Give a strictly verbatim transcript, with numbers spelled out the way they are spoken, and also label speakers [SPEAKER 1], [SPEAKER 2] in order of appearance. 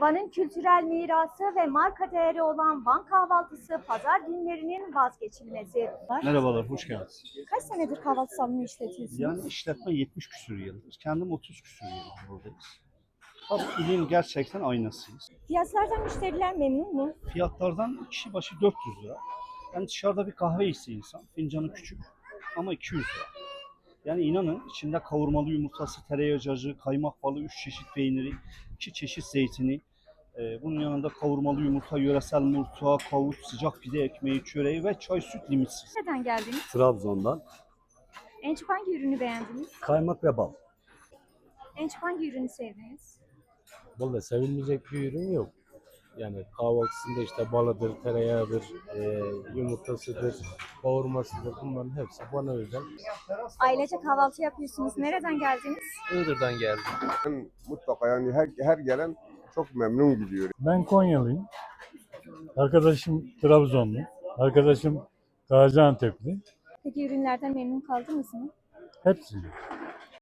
[SPEAKER 1] Van'ın kültürel mirası ve marka değeri olan Van kahvaltısı pazar günlerinin vazgeçilmezi.
[SPEAKER 2] Merhabalar, hoş geldiniz.
[SPEAKER 1] Kaç senedir kahvaltı salonu işletiyorsunuz?
[SPEAKER 2] Yani işletme yetmiş küsur yıldır. Kendim otuz küsur yıldır buradayız. Tabii ilin gerçekten aynasıyız.
[SPEAKER 1] Fiyatlardan müşteriler memnun mu?
[SPEAKER 2] Fiyatlardan kişi başı dört yüz lira. Yani dışarıda bir kahve içse insan, fincanı küçük ama iki yüz lira. Yani inanın içinde kavurmalı yumurtası, tereyağı cacığı, kaymak balı, üç çeşit peyniri, iki çeşit zeytini, e, bunun yanında kavurmalı yumurta, yöresel murtuğa, kavut, sıcak pide ekmeği, çöreği ve çay süt limitsiz.
[SPEAKER 1] Nereden geldiniz?
[SPEAKER 3] Trabzon'dan
[SPEAKER 1] En çok hangi ürünü beğendiniz?
[SPEAKER 3] kaymak ve bal.
[SPEAKER 1] En çok hangi ürünü sevdiniz?
[SPEAKER 3] Vallahi sevilmeyecek bir ürün yok. Yani kahvaltısında işte balıdır, tereyağıdır, e, yumurtasıdır, kavurmasıdır. Bunların hepsi bana özel.
[SPEAKER 1] Ailece kahvaltı yapıyorsunuz. Nereden geldiniz?
[SPEAKER 4] Iğdır'dan geldim.
[SPEAKER 5] Ben mutlaka yani her, her gelen çok memnun gidiyor.
[SPEAKER 6] Ben Konyalıyım. Arkadaşım Trabzonlu. Arkadaşım Gaziantep'li.
[SPEAKER 1] Peki ürünlerden memnun kaldınız mı?
[SPEAKER 6] Hepsi.